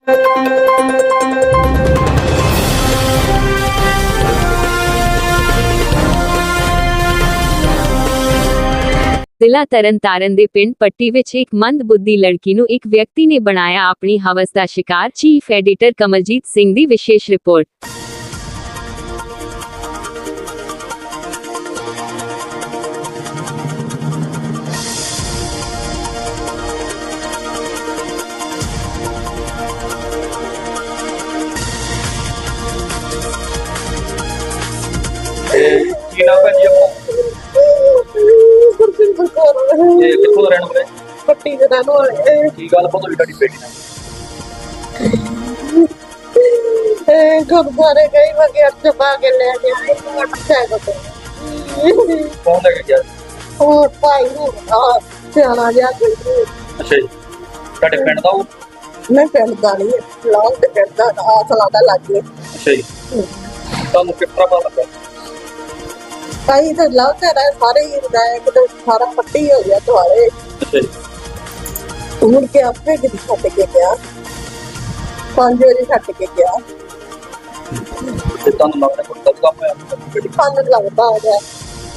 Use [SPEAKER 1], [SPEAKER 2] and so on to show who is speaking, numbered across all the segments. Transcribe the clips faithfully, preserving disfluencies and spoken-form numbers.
[SPEAKER 1] ਜ਼ਿਲ੍ਹਾ ਤਰਨਤਾਰਨ ਦੇ ਪਿੰਡ ਪੱਟੀ ਵਿੱਚ ਇੱਕ ਮੰਦਬੁੱਧੀ ਲੜਕੀ ਨੂੰ ਇੱਕ ਵਿਅਕਤੀ ਨੇ ਬਣਾਇਆ ਆਪਣੀ ਹਵਸ ਦਾ ਸ਼ਿਕਾਰ। ਚੀਫ ਐਡੀਟਰ ਕਮਲਜੀਤ ਸਿੰਘ ਦੀ ਵਿਸ਼ੇਸ਼ ਰਿਪੋਰਟ।
[SPEAKER 2] ਕੀ ਨਾਮ ਹੈ ਜੀ ਆਪਣਾ? ਇਹ ਕਿੱਥੋਂ ਦਾ ਰਹਿਣ ਵਾਲੇ?
[SPEAKER 3] ਪੱਟੀ ਦੇ ਰਹਿਣ ਵਾਲੇ।
[SPEAKER 2] ਕੀ ਗੱਲ ਪਤਾ ਵੀ ਤੁਹਾਡੀ ਬੇਟੀ ਨਾਲ?
[SPEAKER 3] ਇਹ ਗੁਰਦੁਆਰੇ ਗਈ ਵਗੈਰ ਚਬਾ ਕੇ ਲੈ ਕੇ ਆਈ ਮੋਟਰਸਾਈਕਲ ਤੇ।
[SPEAKER 2] ਕੌਣ ਲੈ ਕੇ ਗਿਆ?
[SPEAKER 3] ਉਹ ਭਾਈ ਨੂੰ ਆ ਸਿਆਣਾ ਜਿਹਾ ਕੋਈ।
[SPEAKER 2] ਅੱਛਾ ਜੀ, ਤੁਹਾਡੇ ਪਿੰਡ ਦਾ ਉਹ?
[SPEAKER 3] ਮੈਂ ਪਿੰਡ ਦਾ ਨਹੀਂ, ਲਾਉਂ ਤੇ ਪਿੰਡ ਦਾ ਆਸਲਾ ਦਾ ਲੱਗੇ।
[SPEAKER 2] ਅੱਛਾ ਜੀ, ਤੁਹਾਨੂੰ ਕਿਸ ਤਰ੍ਹਾਂ ਪਤਾ ਲੱਗਾ?
[SPEAKER 3] ਭਾਈ ਤੇ ਲਾਉਂ ਤੇ ਰਹੇ ਸਾਰੇ ਹੀ ਹੁੰਦਾ ਹੈ ਕਿ ਸਾਰਾ ਪੱਟੀ ਹੋ ਗਿਆ ਦੁਆਰੇ।
[SPEAKER 2] ਅੱਛਾ ਜੀ,
[SPEAKER 3] ਮੁੜ ਕੇ ਆਪੇ ਕਿਤੇ ਛੱਡ ਕੇ ਗਿਆ, ਪੰਜ ਵਜੇ ਛੱਡ ਕੇ ਗਿਆ।
[SPEAKER 2] ਤੇ ਤੁਹਾਨੂੰ ਲੱਗਦਾ ਕੋਈ ਗਲਤ ਕੰਮ ਹੋਇਆ? ਬੇਟੀ
[SPEAKER 3] ਪੰਜ ਲੱਗਦਾ ਆ ਗਿਆ।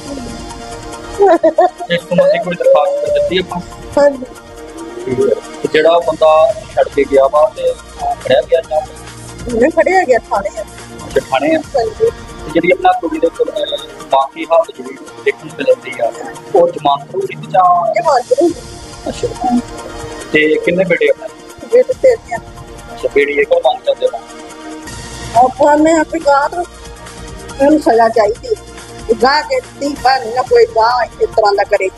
[SPEAKER 2] ਇਸ ਤੋਂ ਮੱਤੀ ਕੋਈ ਦਰਖਾਸਤ ਦਿੱਤੀ ਆਪਾਂ?
[SPEAKER 3] ਹਾਂਜੀ।
[SPEAKER 2] ਤੇ ਜਿਹੜਾ ਬੰਦਾ ਛੱਡ ਕੇ ਗਿਆ ਵਾ ਤੇ ਫੜਿਆ ਗਿਆ ਜਾਂ
[SPEAKER 3] ਮੈਂ ਫੜਿਆ ਗਿਆ ਥਾਣੇ।
[SPEAKER 2] ਅੱਛਾ, ਥਾਣੇ ਆ?
[SPEAKER 3] ਹਾਂਜੀ।
[SPEAKER 2] ਤੇ ਜਿਹੜੀ ਆਪਣਾ ਕੁੜੀ ਦੇ ਉੱਪਰ ਬਾਕੀ ਹਾਲਤ ਜਿਹੜੀ ਦੇਖਣ ਨੂੰ ਮਿਲਦੀ ਆ, ਉਹ ਜ਼ਮਾਨਤ ਹੋ ਰਹੀ ਜਾਂ?
[SPEAKER 3] ਜਮਾਤ
[SPEAKER 2] ਅੱਛਾ, ਤੇ ਕਿੰਨੇ ਬੇਟੇ ਆਪਣੇ?
[SPEAKER 3] ਬੇਟੇ ਤੇ ਆ।
[SPEAKER 2] ਅੱਛਾ, ਬੇੜੀ ਇਹ ਕੋਲ ਮੰਗ ਕਰਦੇ ਹੋ?
[SPEAKER 3] ਆਪਾਂ ਨੇ ਆਪਣੀ ਗਾਤ ਨੂੰ ਸਜ਼ਾ ਚਾਹੀਦੀ। ਗਾ ਕੇ ਤੀ ਬਣ ਨਾ ਕੋਈ ਗਾ ਇਸ ਤਰ੍ਹਾਂ ਦਾ ਕਰੇ।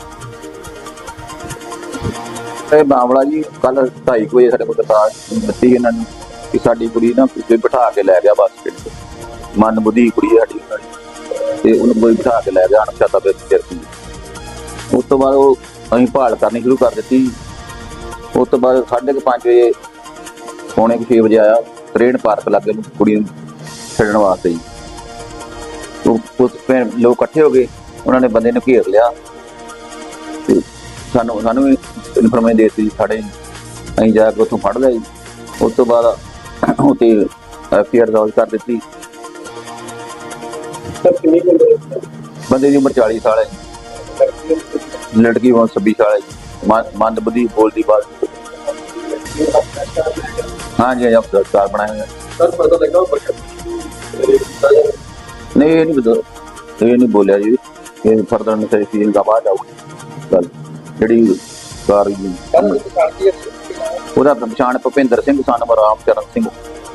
[SPEAKER 4] ਇਹ ਮਾਮਲਾ ਜੀ ਕੱਲ ਢਾਈ ਵਜੇ ਸਾਡੇ ਕੋਲ ਦਰਖਾਸਤ ਦਿੱਤੀ ਇਹਨਾਂ ਨੇ ਕਿ ਸਾਡੀ ਕੁੜੀ ਨਾ ਪਿੱਛੇ ਬਿਠਾ ਕੇ ਲੈ ਗਿਆ ਬੱਸ ਸਟੈਂਡ ਤੇ। ਮਨ ਬੁੱਧੀ ਕੁੜੀ ਸਾਡੀ ਤੇ ਉਹਨੂੰ ਕੋਈ ਬਿਠਾ ਕੇ ਲੈ ਗਿਆ ਅਣਪਛਾਤਾ ਵਿਅਕਤੀ। ਉਸ ਤੋਂ ਬਾਅਦ ਉਹ ਅਸੀਂ ਭਾਲ ਕਰਨੀ ਸ਼ੁਰੂ ਕਰ ਦਿੱਤੀ। ਉਸ ਤੋਂ ਬਾਅਦ ਸਾਢੇ ਕੁ ਪੰਜ ਵਜੇ ਪੌਣੇ ਕੁ ਛੇ ਵਜੇ ਆਇਆ ਟ੍ਰੇਨ ਪਾਰਕ ਲਾਗੇ ਨੂੰ ਕੁੜੀ ਨੂੰ ਛੱਡਣ ਵਾਸਤੇ ਜੀ। ਉਸ ਲੋਕ ਇਕੱਠੇ ਹੋ ਗਏ, ਉਹਨਾਂ ਨੇ ਬੰਦੇ ਨੂੰ ਘੇਰ ਲਿਆ ਤੇ ਸਾਨੂੰ ਸਾਨੂੰ ਵੀ ਇਨਫੋਰਮੇਸ਼ਨ ਦੇ ਦਿੱਤੀ ਸਾਡੇ। ਅਸੀਂ ਜਾ ਕੇ ਉੱਥੋਂ ਫੜ ਲਿਆ ਜੀ। ਉਸ ਤੋਂ ਬਾਅਦ ਉੱਥੇ ਐਫ ਆਈ ਆਰ ਦਰਜ ਕਰ ਦਿੱਤੀ। ਬੰਦੇ ਦੀ ਉਮਰ ਚਾਲੀ ਸਾਲ ਹੈ, ਲੜਕੀ ਉਮਰ ਛੱਬੀ ਸਾਲ ਹੈ। ਮੰਦ ਬੁੱਧੀ ਬੋਲਦੀ ਬਾਤ। ਹਾਂਜੀ ਹਾਂਜੀ, ਅਫਸਰ ਬਣਾਇਆ ਹੋਇਆ। ਨਹੀਂ ਇਹ ਨਹੀਂ ਬਦਲ ਇਹ ਨਹੀਂ ਬੋਲਿਆ ਜੀ। ਇਹ ਫਰਦਰ ਨਸੀ ਦਾ ਬਾਅਦ ਆਊਗੀ ਗੱਲ ਜਿਹੜੀ ਕਾਰ ਉਹਦਾ ਪਛਾਣ ਭੁਪਿੰਦਰ ਸਿੰਘ ਸਨ ਰਾਮ ਚਰਨ ਸਿੰਘ,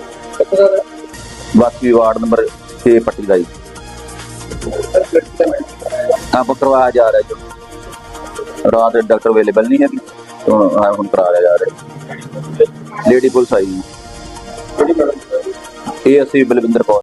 [SPEAKER 4] ਵਾਸੀ ਵਾਰਡ ਨੰਬਰ ਛੇ ਪੱਟੀ ਦਾ ਜੀ। ਆਪ ਕਰਵਾਇਆ ਜਾ ਰਿਹਾ ਜੀ। ਰਾਤ ਡਾਕਟਰ ਅਵੇਲੇਬਲ ਨਹੀਂ ਹੈਗੀ, ਹੁਣ ਕਰਾਇਆ ਜਾ ਰਿਹਾ। ਲੇਡੀ ਪੁਲਿਸ ਆਈ, ਇਹ ਅਸੀਂ ਬਲਵਿੰਦਰ ਕੌਰ।